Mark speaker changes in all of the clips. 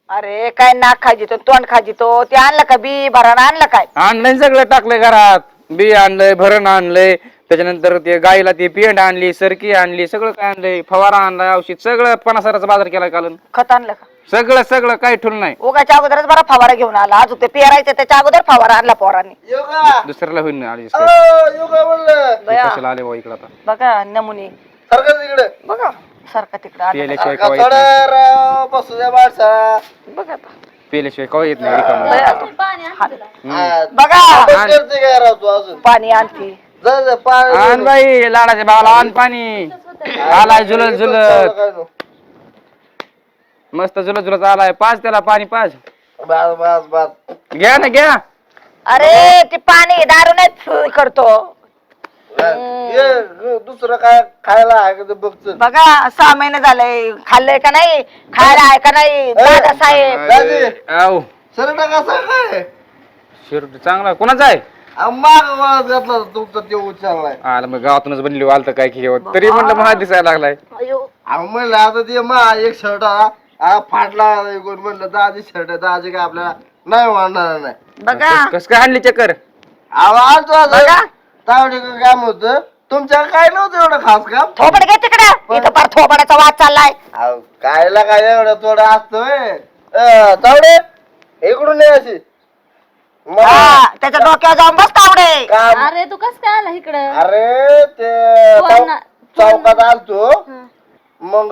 Speaker 1: अरे काय नाक खाजितो तोंड खाजितो ते आणलं का बी भरण आणलं काय?
Speaker 2: आणलंय सगळं टाकलंय घरात बी आणलंय भरण आणलंय त्याच्यानंतर ते गाईला ती पेंड आणली सरकी आणली सगळं काय आणलंय फवारा आणलाय औषध सगळं 50,000चा बाजार केलाय काल
Speaker 1: खत आणलं का?
Speaker 2: सगळं सगळं काही ठेवलं नाही
Speaker 1: उगाच्या अगोदरच बरा फवारा घेऊन आला अजून ते पेरायचं त्याच्या अगोदर फवारा आणला पोरांनी.
Speaker 3: योगा
Speaker 2: दुसऱ्याला होईल ना आली
Speaker 3: योगा म्हणलं
Speaker 1: बया,
Speaker 2: कशाला आले भाऊ इकडे आता
Speaker 1: बघा नमुने
Speaker 3: सारखं तिकडे
Speaker 1: बघा सारखा तिकडे आलं.
Speaker 2: पेल्याशिवाय कवा येत
Speaker 3: थोडा
Speaker 2: नाही
Speaker 3: राव बसू द्या माणसा
Speaker 1: बघा आता.
Speaker 2: पेल्याशिवाय कवा येत नाही रिकामं.
Speaker 1: बया,
Speaker 3: बघा
Speaker 1: बघा
Speaker 3: करते काय राव तू अजून
Speaker 1: पाणी आणते.
Speaker 3: जा जा पाणी
Speaker 2: आण बाई लाडाच्या भावाला आण पाणी आलाय झुलत झुलत
Speaker 3: काय नो.
Speaker 2: मस्त झुलत झुलत आलाय पाच त्याला पाणी पाच
Speaker 3: बस बस बस
Speaker 2: घ्या ना घ्या
Speaker 1: अरे ते पाणी दारू नाही करतो.
Speaker 3: ये दुसरं काय खायला आहे का ते बघ
Speaker 1: बघा 6 महिने झालंय खाल्लंय का नाही खायला आहे का नाही दादा साहेब.
Speaker 3: दादी.
Speaker 2: आऊ
Speaker 3: सरटा कसा काय
Speaker 2: शिरूट चांगला कोणाचा आहे
Speaker 3: माग वळत घातला तुमचा ते उचललाय
Speaker 2: आला मग गावातूनच बनली वालत काय की तरी म्हणलं महा दिसायला लागलाय
Speaker 1: अयो,
Speaker 3: म्हणलं आता ते मा एक शर्ट फाटला कोण म्हणलं दादी शर्ट दादी काय आपल्याला नाही वाढणार नाही
Speaker 1: बघा
Speaker 2: कस काय आणली चक्कर
Speaker 3: आवाज
Speaker 1: बघा.
Speaker 3: तावडे काम होत तुमच्या काय नव्हतं एवढं खास काम
Speaker 1: थोबड घे तिकडे इथं फार थोबडाचा वाद चाललाय.
Speaker 3: अहो, कायला काय एवढं थोडं असतं तावडे इकडून ये अशी
Speaker 1: हा, त्याच्या डोक्यावर जाऊन बस तावडे.
Speaker 3: काम
Speaker 4: अरे तू कस काय आला इकडं
Speaker 3: अरे ते
Speaker 4: कोण-
Speaker 3: चौकात आलतो मग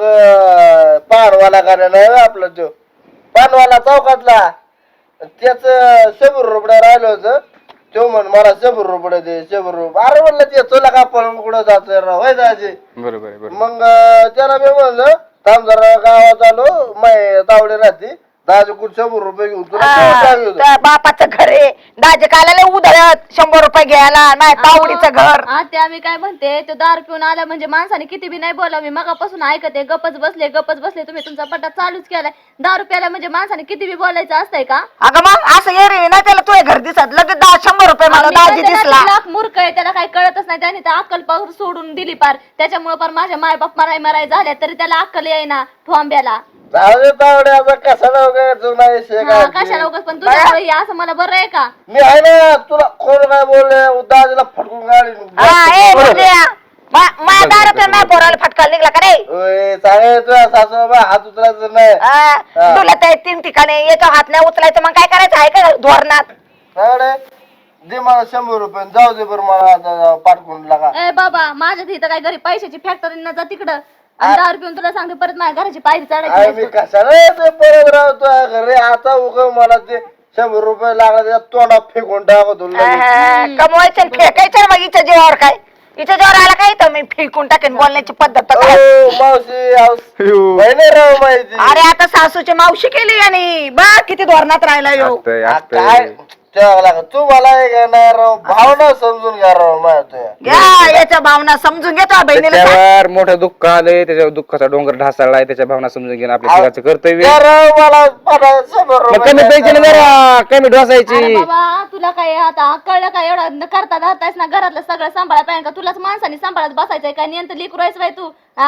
Speaker 3: पानवाला गाड्या नाही होय आपला तो पानवाला चौकातला त्याच 100 रुपये राहिलं होतं तो म्हण मला 100 रुपये दे 100 रुपये अरे म्हणलं ते तुला का पण कुठं जायचं राव होय दाजी
Speaker 2: बरोबर आहे बरोबर
Speaker 3: मग त्याला मी म्हणलं थांब जरा गावात आलो माय तावडे राहते दाजी कुठे 100 रुपये घेऊन तुला
Speaker 1: हा,
Speaker 3: सांगितलं होतं.
Speaker 1: त्या बापाचं घर आहे दाजे काला उधळत 100 रुपये घ्यायला नाही तावडीचं घर.
Speaker 4: ते आम्ही काय म्हणते तो दारू पिऊन आला म्हणजे माणसाने किती बी नाही बोलावं मी मगापासून ऐकते गप्पच बसले तुम्ही तुमचा पट्टा चालूच केलाय दारू प्यायला म्हणजे माणसाने किती बी बोलायचं असतंय का
Speaker 1: अगं मग असं ये रे नाही त्याला तुझे घर दिसत लगेच 100 रुपये मला
Speaker 4: आम्ही
Speaker 1: दाजी
Speaker 4: म्हणते ना,
Speaker 1: दिसला.
Speaker 4: लाख मूर्ख आहे त्याला काही कळतच नाही त्याने तर अक्कल पार सोडून दिली पार त्याच्यामुळे पार माझ्या मायबाप मराय झाल्या तरी त्याला अक्कल येईना ठोंब्याला
Speaker 3: जाऊ दे तावडे आता कशाला वगैरे जुना विषय
Speaker 4: हा,
Speaker 3: काय
Speaker 4: कशाला उगाच पण तुझ्यामुळे हे असं मला बरं आहे का
Speaker 3: मी आहे ना तुला कोण काय बोलले दाजीला फटकून गाडी
Speaker 1: हा, ए, बोलूया. माझ्या दारातून नाही पोराला फटका निघला का रे?
Speaker 3: चांगले तुझ्या सासूबाबा हात उचलायचं नाही
Speaker 1: हा, तुला ते 3 ठिकाणी याचा हात नाही उचलायचं मग काय करायचं आहे का धोरणात?
Speaker 3: तावडे दे मला 100 रुपये जाऊ दे बरं मला आता पाठवून लागा
Speaker 4: ए बाबा माझ्या इथं काय घरी पैशाची फॅक्टरी न जा तिकडं आणि दारू पिऊन तुला सांगते परत माझ्या घराची पायरी
Speaker 3: अरे
Speaker 4: चढायची
Speaker 3: मी कशाला ते परत राहतो घरी आता उग मला ते 100 रुपये लागला त्या तोंडात फेकून टाकतो लगेच.
Speaker 1: कमवायचं आणि फेकायचं मग हिच्या जीवावर काय हिच्या जीवावर आला काय तर मी फेकून टाकेन बोलण्याची पद्धत तर काय?
Speaker 3: ओ, मावशी बहिणी राव माहिती
Speaker 1: अरे आता सासूची मावशी केली आणि बा किती धोरणात राहिला यो.
Speaker 2: असतंय,
Speaker 3: आ,
Speaker 2: असतंय.
Speaker 3: काय ठेवावं लागत तू मला हे काय नाही राव भावना समजून घ्या राव माझ्या
Speaker 1: घ्या याच्या भावना समजून घेतो बहिणीला सांग.
Speaker 2: त्याच्यावर मोठं दुःख आलंय त्याच्यावर दुःखाचा डोंगर ढासळलाय त्याच्या भावना समजून घेणं आपल्या जगाचं कर्तव्य आहे.
Speaker 3: राव मला पाठवा 100
Speaker 2: मग कमी
Speaker 3: रुपये
Speaker 2: पैसे जरा कमी ढोसायची
Speaker 4: अरे बाबा तुला काय आता कळलं काय एवढं करता धरतायस ना घरातलं सगळं सांभाळा पाहिजे का तुलाच माणसाने सांभाळत बसायचंय काय नियंत्र लिकू राहायचं बाई तू हा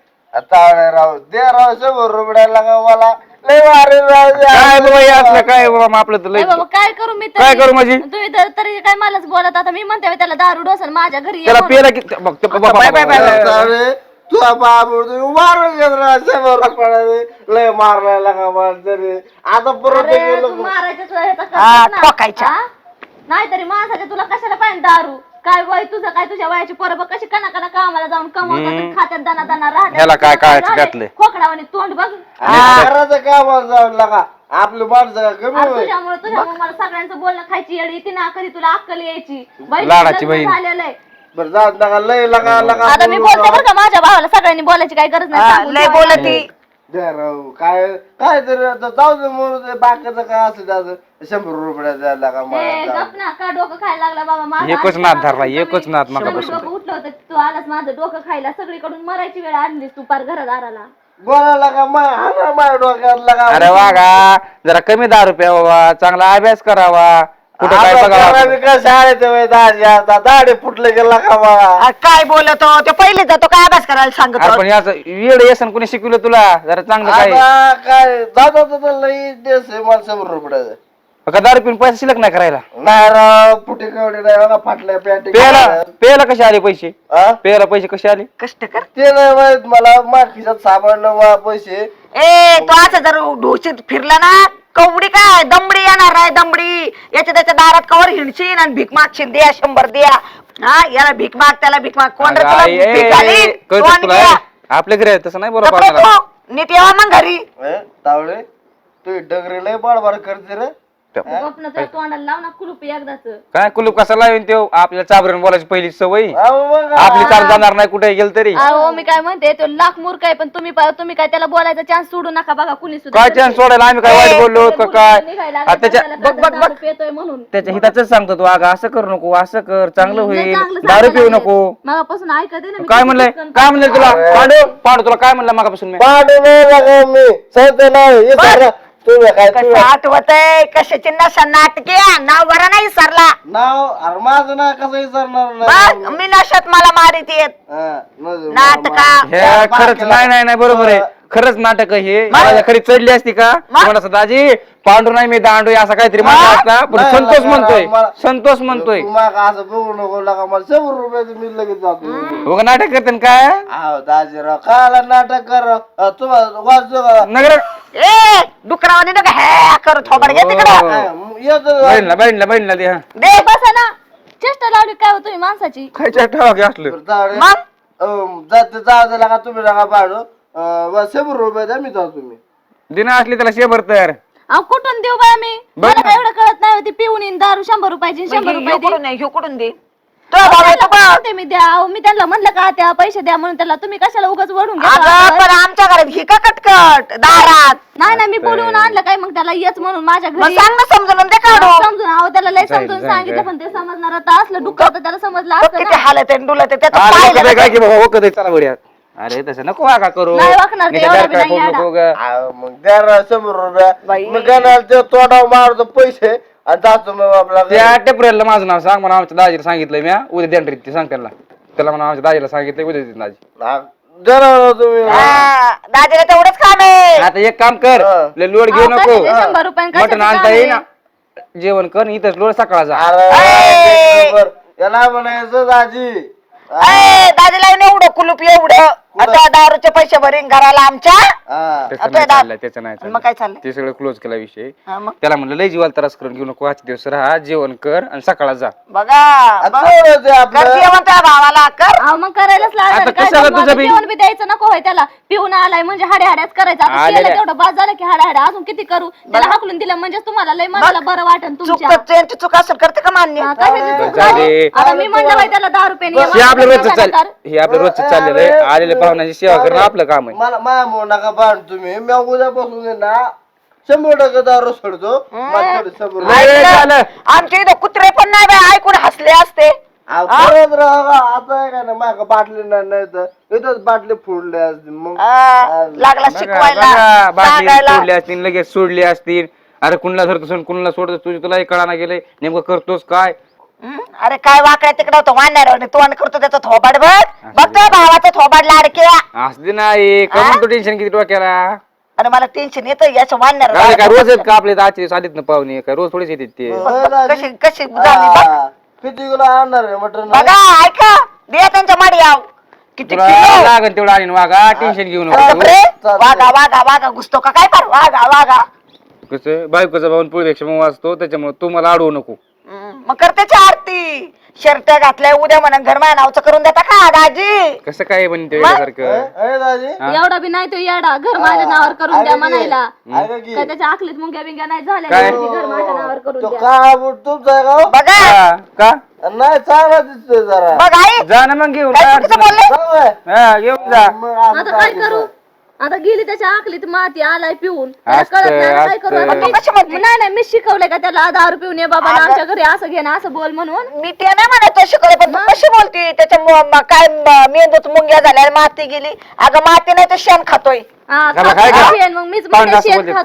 Speaker 3: आता राव दे राव 100 रुपये लागा मला लय वारे राव
Speaker 2: काय बाबा हे असलं काय बाबा मग आपलं तर
Speaker 4: ए
Speaker 2: लय
Speaker 4: बाबा काय करू मी
Speaker 2: काय करू माझी?
Speaker 4: तुम्ही तरी काय मलाच बोलत आता मी म्हणते त्याला दारू डोसल माझ्या घरी ये
Speaker 2: त्याला
Speaker 4: म्हणून.
Speaker 2: पेला की बघ, ते बाबा,
Speaker 1: बाय, बाय, बाय, बाय.
Speaker 3: तावडे तुझा बाबू मारून घेत राव 100 रुपये लय मारला लागा मला तरी आता परत
Speaker 4: अरे,
Speaker 3: गेलो
Speaker 4: तू मारायचं तुला हे तर
Speaker 1: हा,
Speaker 4: करतेस ना.
Speaker 1: ठोकायच्या.
Speaker 4: हा? नाहीतरी माणसाच्या तुला कशाला पाहिजे दारू काय वय तुझं काय तुझ्या वयाची पोरं कशी कना कामाला जाऊन कमवतात खात्यात दाना दाना
Speaker 2: ह्याला काय कळायचं त्यातलं?
Speaker 4: खोकडावाने तोंड बघ
Speaker 3: घराचं कामाला जाऊन लागा आपली माणसं कमी
Speaker 4: अरे
Speaker 3: होईल
Speaker 4: तुझ्यामुळे मला सगळ्यांचं बोलणं खायची येडी येते ना कधी तुला अक्कल यायची बहिणीचं
Speaker 2: लाडाची
Speaker 4: लग्न
Speaker 2: बहीण.
Speaker 4: झालेलं आहे.
Speaker 3: बरं जात नका लय लगा लगा
Speaker 4: आता मी
Speaker 3: बोलू
Speaker 4: बोलते बरं का माझ्या भावाला सगळ्यांनी बोलायची काही गरज नाही
Speaker 1: हा,
Speaker 4: सांगून
Speaker 1: लय
Speaker 4: ठेवायला.
Speaker 1: बोलती
Speaker 3: द्या राव काय काय तरी आता जाऊ दे म्हणून ते बाकीचं काय असं त्याचं 100 रुपये द्यायला लागा
Speaker 4: ए,
Speaker 3: मला
Speaker 4: गप ना का डोकं खायला लागला बाबा माझं
Speaker 2: एकच
Speaker 4: आजच्या
Speaker 2: नाद धरला,
Speaker 4: रात्री
Speaker 2: एकच नाद
Speaker 4: कमी
Speaker 2: मगापासून.
Speaker 4: डोकं उठलं होतं तू आलास माझं डोकं खायला सगळीकडून मरायची वेळ आणलीस तू पार घरादाराला
Speaker 3: बोला लागा माझ्या डोक्यात लागा
Speaker 2: अरे वागा जरा कमी दारू प्यावा चांगला अभ्यास करावा कुठं काय बघा
Speaker 3: काय शाळेत दाढी आता दाढी फुटले गेला का बा
Speaker 1: काय बोलतो ते पहिले जातो काय अभ्यास करायला सांगतो
Speaker 2: आपण याचं येड येसन कोणी शिकवलं तुला जरा चांगलं काय
Speaker 3: आता काय जाता लई देश आहे मला 100 रुपयाचं
Speaker 2: का दारू पिऊन पैसे शिल्लक नाही करायला
Speaker 3: नाही राव फुटे कवडे नाही बघा फाटल्या पॅन्ट
Speaker 2: पेला कसे आले पैसे पेला पैसे कसे आले
Speaker 1: कष्ट कर
Speaker 3: ते नाही माहित मला मागच्या सापडलं पैसे
Speaker 1: ए तो असं जर ढोशीत फिरला ना कवडी काय दमडी येणार आहे दमडी याच्या त्याच्या दारात कवर हिंडशील आणि भीक मागशील द्या 100 द्या हा याला भीक माग त्याला भीक माग कोण रे तुला भीक घालीन? तू आणि द्या.
Speaker 2: आपल्या घरी आहे, तसं नाही बरोबर
Speaker 1: कपडे
Speaker 2: आपल्याला.
Speaker 1: धो, नीट यावा मग घरी
Speaker 3: तावडे तू डगरी लय बाडबाड करते रे
Speaker 4: गपनं त्या तोंडाला लाव ना कुलूप एकदाच.
Speaker 2: काय कुलूप कसा लावेन तो आपल्याला चाबरून बोलायची पहिली सवय
Speaker 3: अहो मग
Speaker 2: आपली चाल जाणार नाही कुठे गेल तरी
Speaker 4: अहो मी काय म्हणते तो लाख मूर्ख आहे पण तुम्ही काय त्याला बोलायचा चान्स सोडू नका बघा कुणी सुद्धा.
Speaker 2: काय चान्स सोडायला आम्ही काय वाईट बोललो का काय
Speaker 4: निघायला
Speaker 2: आ,
Speaker 4: लागला
Speaker 2: त्याच्या
Speaker 4: त्याला
Speaker 2: बघ बघ
Speaker 4: दारू
Speaker 2: बघ
Speaker 4: पितोय म्हणून.
Speaker 2: त्याच्या हिताच सांगतो तू अगं असं करू नको असं कर चांगलं
Speaker 4: नाही,
Speaker 2: होईल
Speaker 4: चांगलं
Speaker 2: दारू
Speaker 4: सांगायला
Speaker 2: पिऊ
Speaker 4: लागले.
Speaker 2: नको
Speaker 4: मगापासून ऐकते ना मी
Speaker 2: काय
Speaker 4: किती
Speaker 2: म्हणलंय
Speaker 4: पटकन
Speaker 2: काय म्हणलंय तुला पांडू पांडू तुला काय म्हणलं मागापासून मी
Speaker 3: पाडू नाही लागा मी सांगते नाही हे सर तुम्ही काय
Speaker 1: कसं आठवत आहे कशाची नशा नाटके नाव बरा नाही सरला
Speaker 3: नाव अरे माझं ना कसं विचारणार नाही
Speaker 1: बघ मी नशात मला मारित येत नाटका
Speaker 2: हे खरंच नाही बरोबर आहे खरंच नाटक आहे हे मला खरी चढली असती का मला दाजी पांडू नाही मी दांडू असं काहीतरी म्हणलं असता पण
Speaker 3: नाही,
Speaker 2: संतोष
Speaker 3: नाही,
Speaker 2: म्हणतोय
Speaker 3: मला-
Speaker 2: संतोष म्हणतोय
Speaker 3: तू मग असं बघू नको लागा मला 100 रुपयाचं मी लगेच जातो
Speaker 2: बघ नाटक करते काय
Speaker 3: अहो दाजीराव काला नाटक कर तुम्हाला वाचतो का
Speaker 2: नगर
Speaker 1: ए डुकरावाने नका हे करू थोबड घे तिकडं
Speaker 3: येतो
Speaker 2: बहिणीला दे हा
Speaker 1: दे
Speaker 4: बसा ना चेष्टा लावली काय हो तुम्ही माणसाची.
Speaker 2: खायच्या ठेवा की असलं
Speaker 1: मग
Speaker 3: जाते लागा तुम्ही लागा पाडू 100 रुपये द्या मी जातो तुम्ही
Speaker 2: दिना असली त्याला शेभर तर
Speaker 4: अहो कुठून देऊ बाय मी मला काय एवढं कळत नाही होती पिऊन येईन दारू 100 रुपयाची 100 रुपये दे.
Speaker 1: कुठून नाही ह्यो कुठून दे
Speaker 4: त्यांना म्हणते मी द्या अहो, मी त्यांना म्हणलं का त्या पैसे द्या म्हणून त्याला तुम्ही कशाला उगाच वडून
Speaker 1: अगं
Speaker 4: घेता.
Speaker 1: पण आमच्या घरात ही का कटकट दारात
Speaker 4: नाही मी बोलवून आणलं काय मग त्याला येच म्हणून माझ्या
Speaker 1: मग
Speaker 4: घरी
Speaker 1: सांग ना समजून दे काढू
Speaker 4: समजून अहो त्याला लय
Speaker 2: जाईल,
Speaker 4: समजून
Speaker 2: जाईल,
Speaker 4: सांगितलं
Speaker 2: जाईल.
Speaker 4: पण ते समजणार आता असलं डुक्कर तर त्याला समजलं
Speaker 1: बघ
Speaker 4: असतं
Speaker 1: किती
Speaker 4: ना.
Speaker 1: हालत आहे डुलत आहे त्याचं
Speaker 2: अरे
Speaker 1: पाहिलं
Speaker 2: वखत आहे
Speaker 1: ना.
Speaker 2: काय की बाबा वखत आहे, चला बढिया अरे तसं नको वागा करू
Speaker 4: नाही वाकणार ते,
Speaker 2: नाही तर
Speaker 4: एवढा
Speaker 2: दार
Speaker 4: बी
Speaker 2: काय
Speaker 4: नाही
Speaker 2: करू
Speaker 4: याडा.
Speaker 2: नको ग.
Speaker 3: मग द्या ना 100 रुपये
Speaker 1: बाई.
Speaker 3: मग गणाला ते तोंडावर मारतो पैसे आणि जातो मग आपला
Speaker 2: त्या टेपऱ्याला माझं नाव सांग म्हणा आमच्या दाजीला सांगितलंय मी उद्या देण रे ते सांग त्याला म्हणा आमच्या दाजीला सांगितलंय उद्या देते दाजी
Speaker 3: जरा तुम्ही
Speaker 1: हा, दाजीला तेवढंच काम आहे
Speaker 2: आता एक काम कर
Speaker 3: हा.
Speaker 2: लय लोड घेऊ
Speaker 4: अहो,
Speaker 2: नको
Speaker 4: कशाचे 100 रुपये कशाचे
Speaker 2: मटण आणता
Speaker 4: काम
Speaker 2: येईल
Speaker 4: आहे?
Speaker 2: ना जेवण कर इथंच लोड सकाळ जा
Speaker 3: अरे बरोबर. याला म्हणायचं दाजी
Speaker 1: दाजीला एवढं कुलूप एवढं आता दारूचे पैसे भरीन घराला आमच्या
Speaker 3: हा.
Speaker 2: त्याचं
Speaker 1: आता
Speaker 2: नाही
Speaker 1: दा-
Speaker 2: चाललंय, त्याचं नाही
Speaker 1: मग काय चाललंय
Speaker 2: ते सगळं क्लोज केला विषय
Speaker 1: हा, मग
Speaker 2: त्याला म्हणलं लय जीवाला त्रास करून घेऊ नको आजचे दिवस राहा जेवण कर आणि सकाळला जा
Speaker 1: बघा
Speaker 3: आता तेवढंच आहे
Speaker 1: कर
Speaker 3: आपलं
Speaker 1: जेवण त्या भावाला कर
Speaker 4: अहो मग करायलाच लागणार
Speaker 2: आता
Speaker 4: काय
Speaker 2: कशाला
Speaker 4: करू?
Speaker 2: तुझं
Speaker 4: आता
Speaker 2: बी?
Speaker 4: जेवण बी द्यायचं नको होय त्याला पिऊन आलाय म्हणजे हाड्याच करायचं आता
Speaker 2: आलेल्या.
Speaker 4: केलं तेवढं बाद झालं की हाड्या अजून किती करू त्याला हाकलून दिलं म्हणजे तुम्हाला लय मनाला बरं वाटन
Speaker 1: चूक
Speaker 4: तुमच्या
Speaker 1: तर त्यांची चूक असेल करते का मान्य
Speaker 4: हा, कशाची चूक
Speaker 2: जाऊ दे.
Speaker 4: झाली? आता मी म्हणलं बाई त्याला 10 रुपये
Speaker 2: हे आपलं रोजचं चाल हे आपलं रोजचं चाललेलं आहे आलेल्या पाहुण्याची सेवा करणं आपलं काम आहे
Speaker 3: मला माया म्हणू नका बाण तुम्ही मी उद्यापासून आहे ना 100% दारू सोडतो मला तेवढं 100 रुपये.
Speaker 2: नाही, झालं.
Speaker 1: आमच्या इथं कुत्रे पण नाही बाई ऐकून हसले असते
Speaker 3: अहो, परत राहा आता आहे का ना माग बाटली नाही तर इथंच बाटली फोडली असते मग
Speaker 1: लागला
Speaker 2: बघा,
Speaker 1: शिकवायला
Speaker 2: बघा, बाटली
Speaker 1: सांगायला
Speaker 2: सोडली असतील लगेच सोडली असतील अरे कुणाला धरतो कुणाला सोडतो तुलाही कळाना गेले नेमकं करतोस काय
Speaker 1: अरे काय वाकड्या तिकडं होतं वाढणार तोंड करतो त्याचं थोबाड बघ बघतोय भावाचं थोबाड लाडक्या
Speaker 2: असते नाही कमन तो टेन्शन किती डोक्याला
Speaker 1: अरे मला टेन्शन येतं याचं वाढणार
Speaker 2: काय काय रोज आहेत का आपले आजचे आलेत ना पाहुणे काय रोज थोडेच येतात ते
Speaker 1: कशी कशी झाली बघ
Speaker 3: हा. किती किलो आणणार आहे मटन
Speaker 1: बघा ऐका दे त्यांच्या माडी याव किती
Speaker 2: तुला
Speaker 1: किलो
Speaker 2: लागन तेवढं आणि वागा टेन्शन घेऊ नको
Speaker 1: बापरे, वागा वागा वागा घुसतो का काय कर वागा वागा
Speaker 2: कसं बायकोचा भाऊन पुढेपेक्षा मग वाचतो त्याच्यामुळे तू मला अडवू नको
Speaker 1: मग कर त्याची आरती शर्ट घातलाय उद्या म्हणा घर माझ्या नावचं करून देता का दाजी
Speaker 2: कसं काय बनते सारखं
Speaker 3: अरे दाजी
Speaker 4: एवढा बी नाही तो येडा घर माझ्या नावावर करून द्या म्हणायला
Speaker 3: ऐका की
Speaker 4: काय त्याच्या आखलीत मुंग्या बिंग्या नाही झाल्या
Speaker 2: काय?
Speaker 4: की घर माझ्या नावावर करून
Speaker 3: तो
Speaker 4: द्या
Speaker 3: काळा बूट तुमचा आहे का हो?
Speaker 1: बघा
Speaker 2: का
Speaker 3: नाही चांगला दिसतोय जरा
Speaker 1: बघ आई
Speaker 2: जा ना मग घेऊन
Speaker 1: काय
Speaker 2: काय
Speaker 1: चुकीचं
Speaker 2: अडचण
Speaker 1: बोलले
Speaker 3: चांगलं आहे.
Speaker 2: नाही. हा घेऊन जा
Speaker 3: मग असं
Speaker 4: आता काय करू आता गेली त्याच्या आखलीत माती आलाय पिऊन त्याला
Speaker 2: असतं,
Speaker 4: कळत नाही आता काय करू आता
Speaker 2: असतं.
Speaker 4: मी-
Speaker 1: कशी म्हणते?
Speaker 4: नाही नाही मी शिकवलंय का त्याला 10 रुपये पिऊन ये बाबा आमच्या घरी असं घे ना असं बोल म्हणून
Speaker 1: मी ते नाही म्हणत तो शिकवले पण तू कशी बोलती त्याच्या काय मेंदूत मुंग्या झाल्या माती गेली अगं माती नाही तर शेण खातोय
Speaker 4: हा,
Speaker 2: त्याला
Speaker 4: खातो
Speaker 2: काय
Speaker 4: का
Speaker 2: का?
Speaker 4: शेण? मग मीच
Speaker 2: पाहुणे
Speaker 4: म्हणते
Speaker 2: असं
Speaker 4: शेण
Speaker 2: बोलतात का?
Speaker 4: खातोय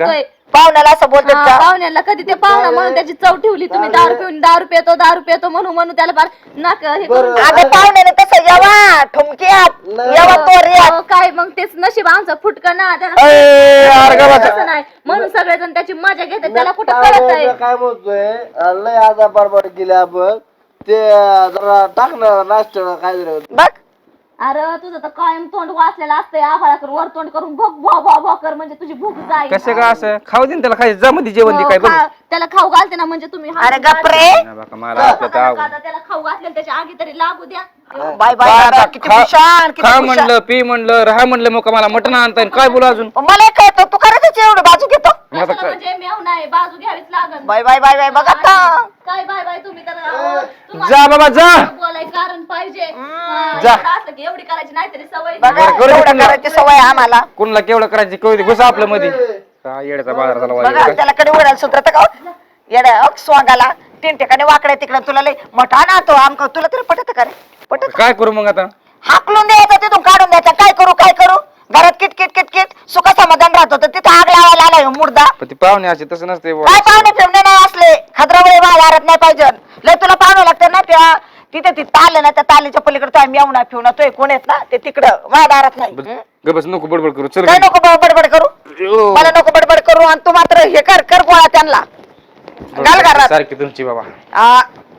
Speaker 1: पाहुण्याला असं बोलतात का?
Speaker 4: पाहुण्याला कधी ते पाहुणा म्हणून त्याची चव ठेवली तुम्ही. दारू पितो म्हणून त्याला फार नाक हे करून
Speaker 3: बरं.
Speaker 1: अगं पाहुण्याने तसं यावा ठुमक्यात यावा तोऱ्यात.
Speaker 4: अहो, काय मग तेच नशीब आमचं फुटकं ना
Speaker 2: अरे का बसा.
Speaker 4: तसं नाही म्हणून सगळेजण त्याची मजा घेतात. त्याला कुठं कळत
Speaker 3: काय
Speaker 4: आहे.
Speaker 3: काय म्हणतोय लय आता बडबड केली आपण ते जरा टाकणार नाश्ता काय जरा
Speaker 1: बघ
Speaker 4: अरे तुझं तर कायम तोंड वाचलेलं असतंय. आभाळाकर वर तोंड करून भोग भो भो कर म्हणजे तुझी भूक जाईल.
Speaker 2: कसं का असं खाऊ दे ना त्याला खायचं जमध्ये जेवण दे काय बघ
Speaker 4: त्याला खाऊ घालते ना म्हणजे तुम्ही
Speaker 1: अरे गप्रे
Speaker 2: नाही बाका, मला आपलं तर आवड.
Speaker 4: त्याला खाऊ घातलेलं त्याच्या आगी तरी लागू द्या.
Speaker 1: बाय बाय बाय, किती भूषण किती
Speaker 2: खा
Speaker 1: भूषण.
Speaker 2: म्हणलं पी म्हणलं राहा म्हणलं मग मला मटण आणता येईल काय बोला अजून
Speaker 1: मला कळतं तू करायचं एवढं बाजू घेतो.
Speaker 2: मग आता
Speaker 4: कशाला म्हणजे मेव नाही बाजू घ्यावीच लागल.
Speaker 1: बाय बाय बाय बाय बघ आता
Speaker 4: काय बाय बाय तुम्ही तर
Speaker 2: जा बाबा जा
Speaker 4: बोलायचं कारण पाहिजे.
Speaker 2: जा.
Speaker 4: असलं की एवढी करायची नाहीतरी सवय
Speaker 1: बघा
Speaker 2: बरं, करू दे
Speaker 1: एवढं
Speaker 2: पुन्हा.
Speaker 1: करायची सवय आहे आम्हाला.
Speaker 2: कोणाला केवढं करायची कळू दे घुसा आपलं मध्ये काय येड्याचा बाजार झाला
Speaker 1: बघा
Speaker 2: वाईट.
Speaker 1: त्याला कडे उडायला सुधरत का येड्या स्वांगाला 3 ठिकाणी वाकड्या तिकडे तुला लय मोठा ना तो आमका तुला तरी पटत का रे? पटत
Speaker 2: काय करू मग आता
Speaker 1: हाकलून द्यायचं तिथून काढून द्यायचं. काय करू घरात किटकिट किटकिट सुख समाधान राहत होतं तिथं आग लावायला आला ह्यो मुर्दा.
Speaker 2: पण ती पाहुणे असे तसं नसते बुवा.
Speaker 1: काय पाहुणे फिरणे नाही असले खद्रावळे दारात नाही पाहिजे. लय तुला पाहुणं लागतं ना त्या तिथे ती ताल ना त्या तालीच्या पलीकडे तो मेवना फिवना तो कोण येत ना ते तिकडं माझ्या दारात नाही.
Speaker 2: गबस नको बडबड करू चल
Speaker 1: काय नको बडबड करू मला नको बडबड करू आणि तू मात्र हे कर गोळा त्यांना घाल घरात.
Speaker 2: सारखी तुमची बाबा
Speaker 1: आ,